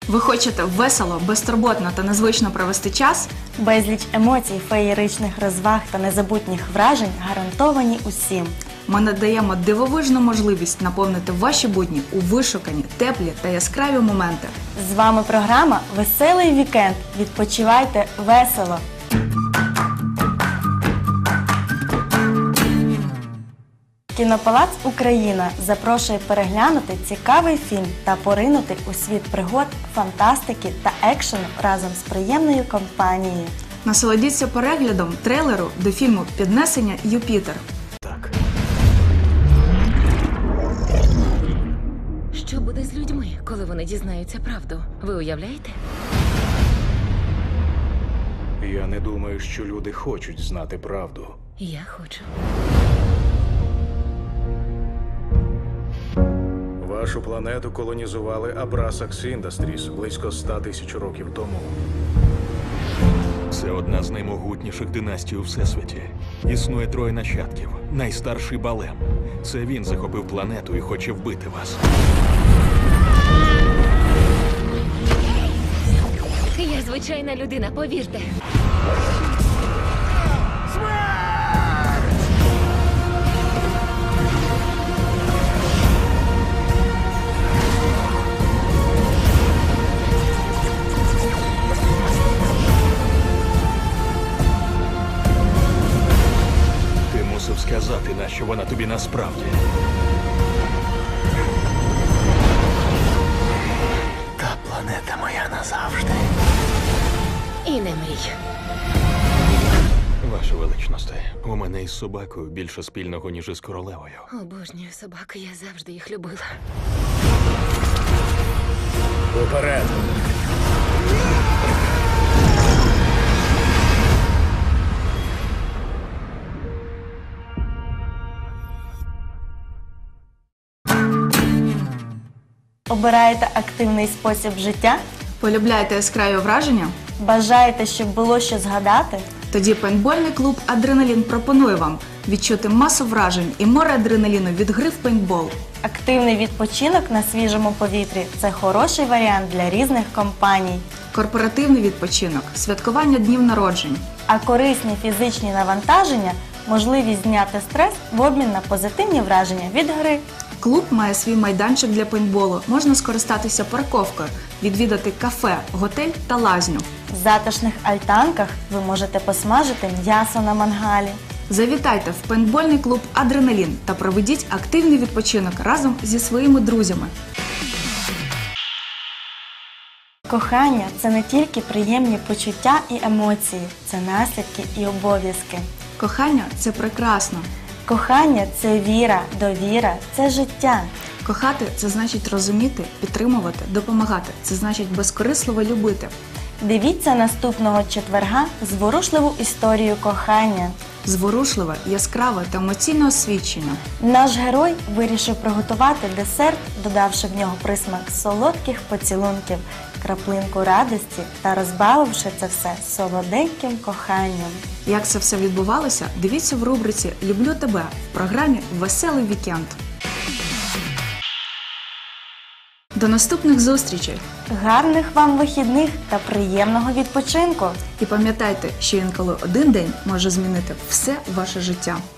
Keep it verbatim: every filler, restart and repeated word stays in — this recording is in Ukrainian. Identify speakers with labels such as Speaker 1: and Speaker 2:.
Speaker 1: Ви хочете весело, безтурботно та незвично провести час?
Speaker 2: Безліч емоцій, феєричних розваг та незабутніх вражень гарантовані усім.
Speaker 1: Ми надаємо дивовижну можливість наповнити ваші будні у вишукані, теплі та яскраві моменти.
Speaker 2: З вами програма «Веселий вікенд». Відпочивайте весело! Кінопалац «Україна» запрошує переглянути цікавий фільм та поринути у світ пригод, фантастики та екшену разом з приємною компанією.
Speaker 1: Насолодіться переглядом трейлеру до фільму «Піднесення Юпітер».
Speaker 3: Так.
Speaker 4: Що буде з людьми, коли вони дізнаються правду? Ви уявляєте?
Speaker 3: Я не думаю, що люди хочуть знати правду.
Speaker 4: Я хочу.
Speaker 3: Вашу планету колонізували Abrasax Industries близько ста тисяч років тому.
Speaker 5: Це одна з наймогутніших династій у Всесвіті. Існує троє нащадків. Найстарший Балем. Це він захопив планету і хоче вбити вас.
Speaker 4: Я звичайна людина, повірте.
Speaker 5: Ти мусив сказати, нащо вона тобі насправді.
Speaker 3: Та планета моя назавжди.
Speaker 4: І не мрій.
Speaker 5: Ваше величносте, у мене із собакою більше спільного, ніж із королевою.
Speaker 4: Обожнюю собак, я завжди їх любила.
Speaker 3: Уперед!
Speaker 2: Обираєте активний спосіб життя?
Speaker 1: Полюбляєте яскраві враження?
Speaker 2: Бажаєте, щоб було що згадати?
Speaker 1: Тоді пейнтбольний клуб «Адреналін» пропонує вам відчути масу вражень і море адреналіну від гри в пейнтбол.
Speaker 2: Активний відпочинок на свіжому повітрі – це хороший варіант для різних компаній.
Speaker 1: Корпоративний відпочинок, святкування днів народжень.
Speaker 2: А корисні фізичні навантаження – можливість зняти стрес в обмін на позитивні враження від гри.
Speaker 1: Клуб має свій майданчик для пейнтболу, можна скористатися парковкою, відвідати кафе, готель та лазню.
Speaker 2: В затишних альтанках ви можете посмажити м'ясо на мангалі.
Speaker 1: Завітайте в пейнтбольний клуб «Адреналін» та проведіть активний відпочинок разом зі своїми друзями.
Speaker 2: Кохання – це не тільки приємні почуття і емоції, це наслідки і обов'язки.
Speaker 1: Кохання – це прекрасно.
Speaker 2: Кохання – це віра, довіра, це життя.
Speaker 1: Кохати – це значить розуміти, підтримувати, допомагати. Це значить безкорисливо любити.
Speaker 2: Дивіться наступного четверга зворушливу історію кохання.
Speaker 1: Зворушливе, яскраве та емоційне освідчення.
Speaker 2: Наш герой вирішив приготувати десерт, додавши в нього присмак солодких поцілунків, краплинку радості та розбавивши це все солоденьким коханням.
Speaker 1: Як це все відбувалося, дивіться в рубриці «Люблю тебе» в програмі «Веселий вікенд». До наступних зустрічей!
Speaker 2: Гарних вам вихідних та приємного відпочинку!
Speaker 1: І пам'ятайте, що інколи один день може змінити все ваше життя.